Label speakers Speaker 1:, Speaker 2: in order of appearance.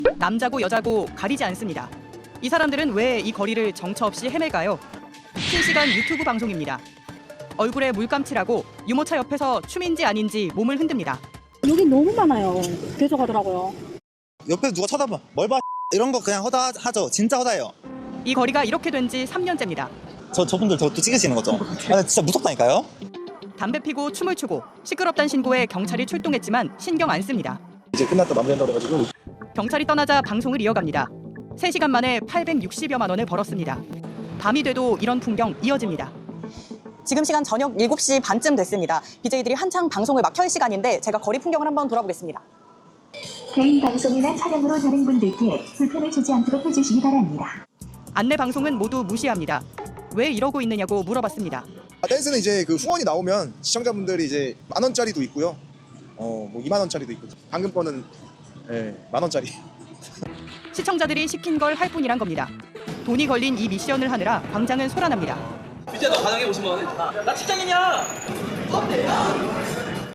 Speaker 1: 남자고 여자고 가리지 않습니다. 이 사람들은 왜 이 거리를 정처 없이 헤매가요? 실시간 유튜브 방송입니다. 얼굴에 물감칠하고 유모차 옆에서 춤인지 아닌지 몸을 흔듭니다.
Speaker 2: 여기 너무 많아요. 계속 하더라고요.
Speaker 3: 옆에서 누가 쳐다봐. 뭘 봐. 이런 거 그냥 허다하죠. 진짜 허다해요.
Speaker 1: 이 거리가 이렇게 된 지 3년째입니다.
Speaker 3: 저분들 저것도 찍으시는 거죠? 아, 진짜 무섭다니까요?
Speaker 1: 담배 피고 춤을 추고 시끄럽단 신고에 경찰이 출동했지만 신경 안 씁니다.
Speaker 4: 이제 끝났다 마무리한다고 해가지고
Speaker 1: 경찰이 떠나자 방송을 이어갑니다. 3시간 만에 860여만 원을 벌었습니다. 밤이 돼도 이런 풍경 이어집니다.
Speaker 5: 지금 시간 저녁 7시 반쯤 됐습니다. BJ들이 한창 방송을 막 켤 시간인데 제가 거리 풍경을 한번 돌아보겠습니다.
Speaker 6: 개인 방송이나 촬영으로 다른 분들께 불편을 주지 않도록 해주시기 바랍니다.
Speaker 1: 안내 방송은 모두 무시합니다. 왜 이러고 있느냐고 물어봤습니다.
Speaker 4: 댄스는 이제 그 후원이 나오면 시청자분들이 이제 10,000원짜리도 있고요. 뭐 20,000원짜리도 있고. 방금 거는 10,000원짜리.
Speaker 1: 시청자들이 시킨 걸 할 뿐이란 겁니다. 돈이 걸린 이 미션을 하느라 광장은 소란합니다.
Speaker 7: 밑에 너 가능해 50만 원? 나 직장인이야.